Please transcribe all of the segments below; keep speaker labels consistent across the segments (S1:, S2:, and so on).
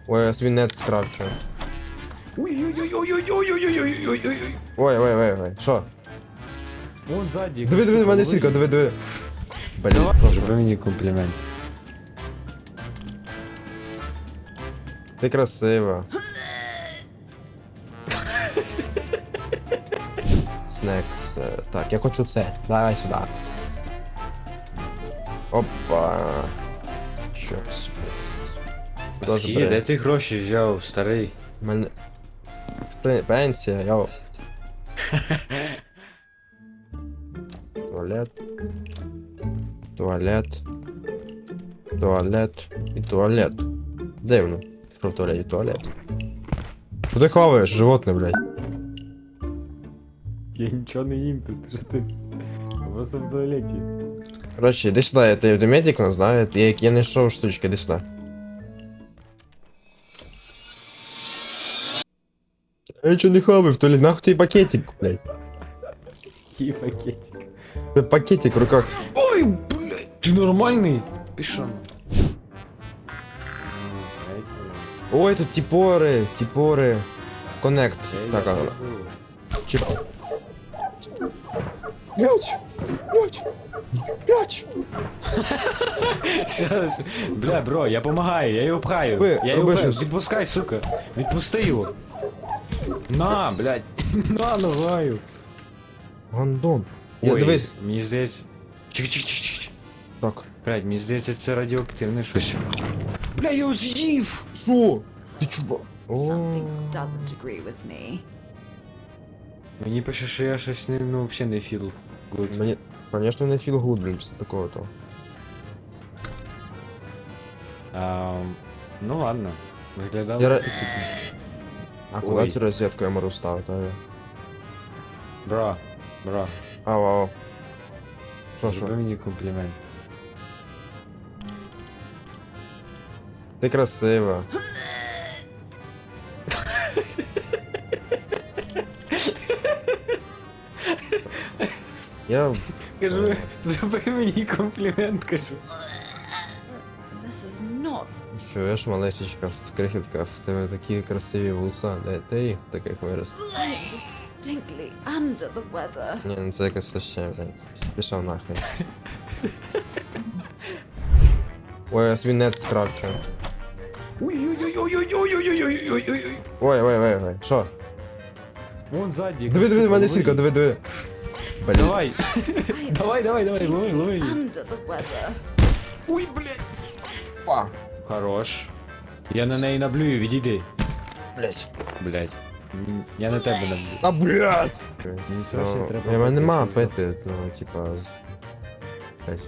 S1: Ой, я свинець скрафчу.
S2: Ой-ой-ой-ой-ой-ой-ой-ой-ой-ой-ой.
S1: Ой, що?
S2: Вон ззаді.
S1: Диви, в мене сітка, диви. Блін, прошу.
S2: Зроби мені комплімент.
S1: Ти красива. Снекс. Так, я хочу це. Давай сюди. Опа. Щось. Тоже
S2: Скільки,
S1: бре.
S2: де ти гроші взяв, старий?
S1: У мене... Пенсія, йоу. Туалет. Туалет. Туалет. І туалет. Дивно. Що в туалеті туалет? Що ти хаваєш, животне, блядь?
S2: Я нічого не їм тут, що ти? Просто в туалеті.
S1: Короче, іди сюди, ти медик нас, да? Я знайшов штучки, іди сюди. Я нічого не хаваю в туалет, нахуй ти пакетик, блядь.
S2: Який пакетик.
S1: Це пакетик в руках.
S2: Ой, блядь, ти нормальний? Пішов.
S1: Ой, тут тіпори. Коннект. Так, ага. Чіп. Блять.
S2: Бля, бро, я помагаю, я його пхаю.
S1: Ви,
S2: Я його
S1: роби
S2: пхаю.
S1: щось.
S2: Відпускай, сука. Відпусти його. На, блядь. На, ногаю.
S1: Гандон. Я
S2: Ой,
S1: дивись.
S2: мені здається... Чик.
S1: Так.
S2: Блядь, мені здається, це радіоактивне щось. Бля, я його з'їв!
S1: Що? Ти чуба?
S3: Something doesn't agree with me.
S2: Мені пише, що я щось не, ну, взагалі не філ. Good.
S1: Мені, конечно, не філ гуд, блін, після такого то.
S2: Ну ладно. Виглядало.
S1: Я ра-
S2: апетитно.
S1: А куди
S2: Ой.
S1: цю розетку я можу ставити?
S2: Бро.
S1: Ау. Що?
S2: Зроби мені комплімент.
S1: Ти красива. Я...
S2: Кажу, зроби мені комплімент, кажу.
S3: This is not.
S1: Чуєш, малесечка, крихітка, в тебе такі красиві вуса, де ти їх таких вирос?
S3: I am distinctly under the weather.
S1: Ні, ну це якось вообще, блядь. Пішов нахрен. Ой, я свинець скрафчу.
S2: Ой-ой-ой-ой-ой-ой-ой-ой-ой-ой-ой.
S1: Ой, що?
S2: Вон ззаді.
S1: Диви, в мене сітка, диви. Блін.
S2: Давай.
S3: I am
S2: Давай,
S3: distinctly
S2: лови.
S3: under the weather.
S2: Ой, блядь.
S1: А,
S2: Хорош. Я на неї наблюю, відійди.
S1: блядь.
S2: Блядь. Я на тебе наблюю.
S1: А, блядь!
S2: Мені
S1: Ну,
S2: краще треба...
S1: я мене нема пити, ну, типа... Блядь.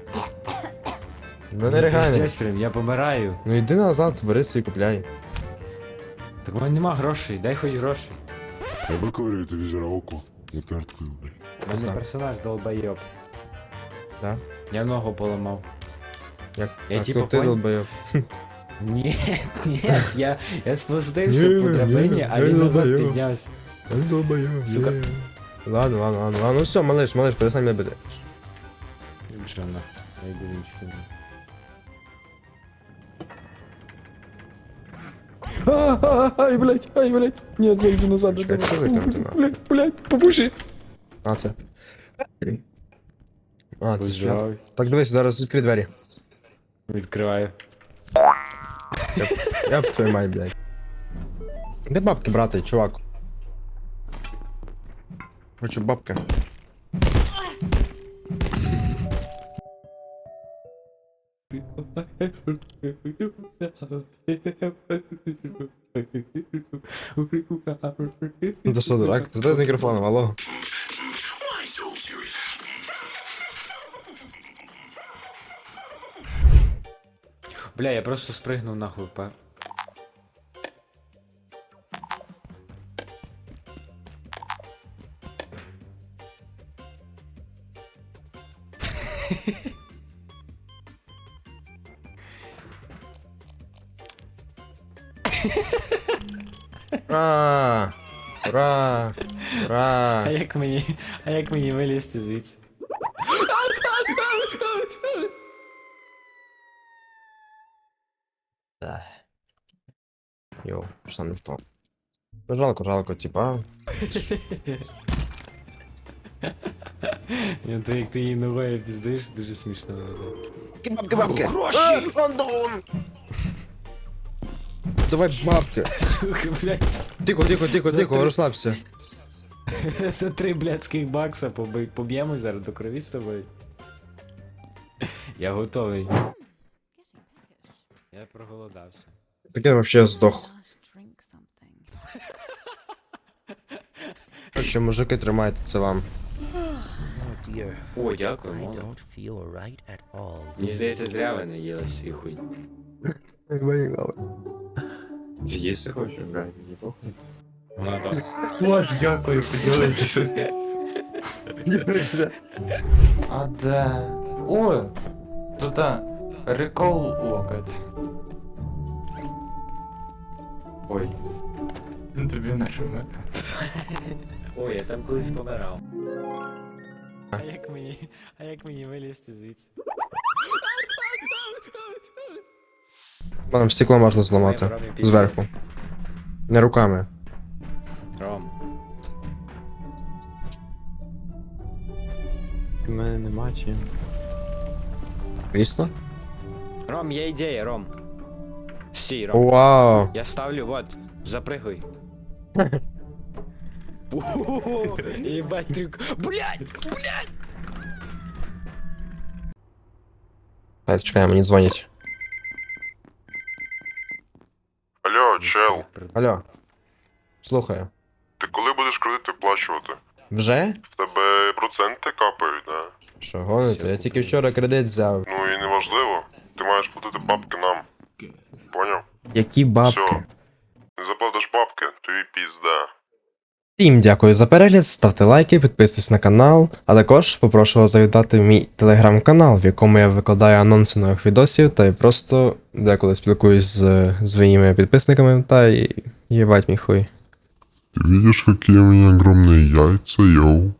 S1: Ну не ригай.
S2: Пиздець прям, я помираю.
S1: Ну йди назад, бери свій купляй.
S2: Так у мене нема грошей, дай хоч грошей.
S4: Я виковирюю тобі зараз око затерткою, блядь.
S2: У мене
S1: Знаю.
S2: персонаж долбойоб.
S1: Да?
S2: Я ногу поламав.
S1: Як
S2: Я
S1: так,
S2: типа
S1: ну, ти
S2: понял.
S1: долбойоб.
S2: Ні, я спустився по драбині, а
S1: я
S2: він назад
S1: долбойоб.
S2: піднявся.
S1: Я долбойоб.
S2: Сука.
S1: Ладно, ну все, малыш, перестань мене бити.
S2: Що на? Я йду нічого. Ай, блядь. Нет, я йду назад.
S1: Чекай, це викинути надо.
S2: Блядь, попуши.
S1: А, це. А, це шляп.
S2: Пожалуй.
S1: Так, дивись, зараз відкрий двері.
S2: Відкриваю.
S1: Я б твою мать, блядь. Де бабки брати, чувак? Хочу бабки. Ну ти що, дурак? Ти з мікрофоном, алло?
S2: Бля, я просто спригнув нахуй, па.
S1: Ура! Ура! Ура!
S2: А як мені вилізти звідси?
S1: Йоу, що сам не впав. Ну жалко, типа.
S2: Ні, то як ти її ногою піздиш, дуже смішно.
S1: Бабки! Гроші! Андон! Давай бабки!
S2: Сука, блядь.
S1: Тихо, розслабся.
S2: За 3 блядських бакса поб'ємось зараз до крові з тобою. Я готовий. Я проголодався.
S1: Таке вообще здох.
S3: Last drink something.
S1: Короче, мужики, тримайте, це вам.
S5: Oh dear.
S2: О, дякую,
S5: I
S2: мало.
S5: don't feel right at all.
S2: Мені здається, зря ви не їли свій хуй. Їсти хочеш, блядь, не похуй. Вона так. Ось, дякую, поділився.
S6: А де? О! Тут рекол локоть.
S2: Ой.
S6: Тобі нажме.
S2: Ой, я там колись помирав. А як мені вилізти звідси?
S1: Там стекло можна зламати. Зверху. Не руками.
S2: Ром. У мене нема чим.
S1: Крісло?
S2: Ром, є ідея, Ром. Стій, Ром.
S1: Вау!
S2: Я ставлю, вот, запрыгай. Ебать трюк. Блядь!
S1: Так, чекай, мені дзвонять.
S4: Алло, чел,
S1: Алло. Слухаю.
S4: ти коли будеш кредит виплачувати?
S1: Вже?
S4: В тебе проценти капають, да?
S1: Що, гоните? Я тільки вчора кредит взяв.
S4: Ну і неважливо. Ти маєш платити бабки нам. Поняв?
S1: Які бабки?
S4: Всьо. Не заплатиш бабки, тобі пізда.
S1: Всім дякую за перегляд, ставте лайки, підписуйтесь на канал, а також попрошу вас завітати в мій телеграм-канал, в якому я викладаю анонси нових відосів та й просто деколи спілкуюсь з своїми підписниками та й їбать мій хуй.
S4: Ты видишь, какие у меня огромные яйца, йоу?